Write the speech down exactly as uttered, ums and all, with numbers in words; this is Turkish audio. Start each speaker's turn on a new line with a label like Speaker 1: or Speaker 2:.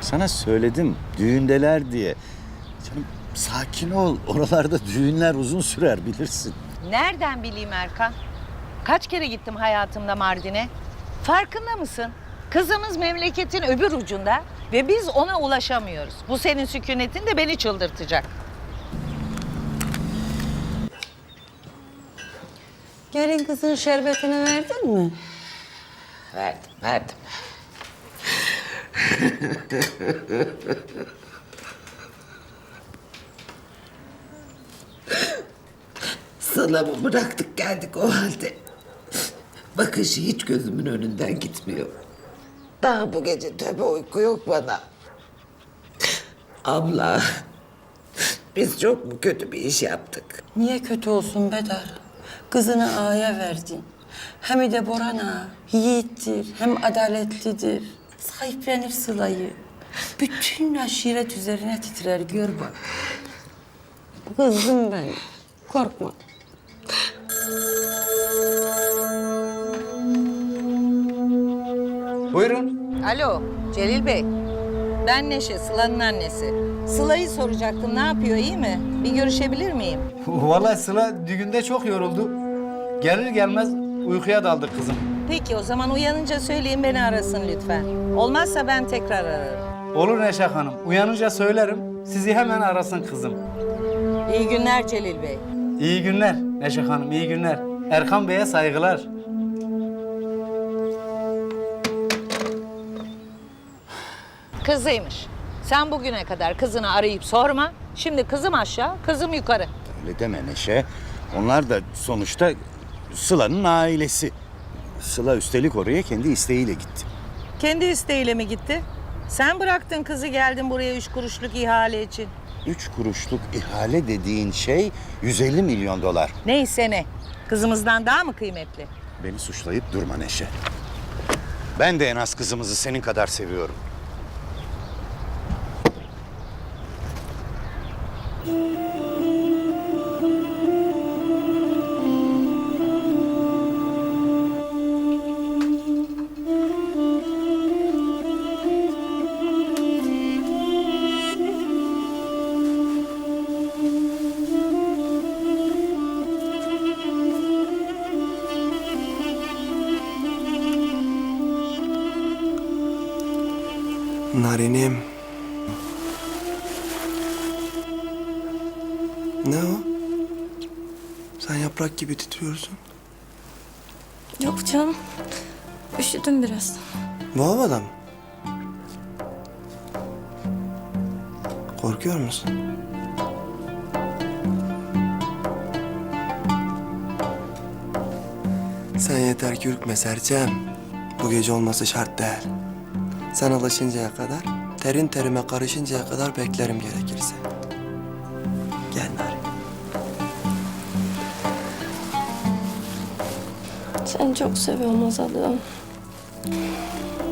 Speaker 1: Sana söyledim düğündeler diye. Canım sakin ol. Oralarda düğünler uzun sürer bilirsin.
Speaker 2: Nereden bileyim Erkan? Kaç kere gittim hayatımda Mardin'e. Farkında mısın? Kızımız memleketin öbür ucunda ve biz ona ulaşamıyoruz. Bu senin sükunetin de beni çıldırtacak.
Speaker 3: Gelin kızın şerbetini verdin mi?
Speaker 2: Verdim, verdim.
Speaker 4: Sıla'mı bıraktık geldik o halde. Bakışı hiç gözümün önünden gitmiyor. Daha bu gece tabii uyku yok bana. Abla, biz çok mu kötü bir iş yaptık?
Speaker 3: Niye kötü olsun Bedar? Kızını ağaya verdin. Hem de Boran ağa yiğittir, hem adaletlidir. Sahiplenir Sıla'yı. Bütün aşiret üzerine titrer, gör bak. Kızım ben, korkma.
Speaker 5: Buyurun.
Speaker 2: Alo, Celil Bey. Ben Neşe, Sıla'nın annesi. Sıla'yı soracaktım, ne yapıyor, iyi mi? Bir görüşebilir miyim?
Speaker 5: Vallahi Sıla düğünde çok yoruldu. Gelir gelmez uykuya daldı kızım.
Speaker 2: Peki, o zaman uyanınca söyleyin, beni arasın lütfen. Olmazsa ben tekrar ararım.
Speaker 5: Olur Neşe Hanım. Uyanınca söylerim. Sizi hemen arasın kızım.
Speaker 2: İyi günler Celil Bey.
Speaker 5: İyi günler Neşe Hanım, iyi günler. Erkan Bey'e saygılar.
Speaker 2: Kızıymış. Sen bugüne kadar kızını arayıp sorma. Şimdi kızım aşağı, kızım yukarı.
Speaker 1: Öyle deme Neşe. Onlar da sonuçta Sıla'nın ailesi. Sıla üstelik oraya kendi isteğiyle gitti.
Speaker 2: Kendi isteğiyle mi gitti? Sen bıraktın kızı, geldin buraya üç kuruşluk ihale için.
Speaker 1: Üç kuruşluk ihale dediğin şey yüz elli milyon dolar.
Speaker 2: Neyse ne. Kızımızdan daha mı kıymetli?
Speaker 1: Beni suçlayıp durma Neşe. Ben de en az kızımızı senin kadar seviyorum.
Speaker 6: Narinim. Ne o? Sen yaprak gibi titriyorsun.
Speaker 7: Yok canım. Üşüdüm biraz.
Speaker 6: Bu havada mı? Korkuyor musun? Sen yeter ki ürkme Serçem. Bu gece olması şart değil. Sen alışıncaya kadar, terin terime karışıncaya kadar beklerim gerekirse. Gel Narin.
Speaker 7: Seni çok seviyorum Azadığım.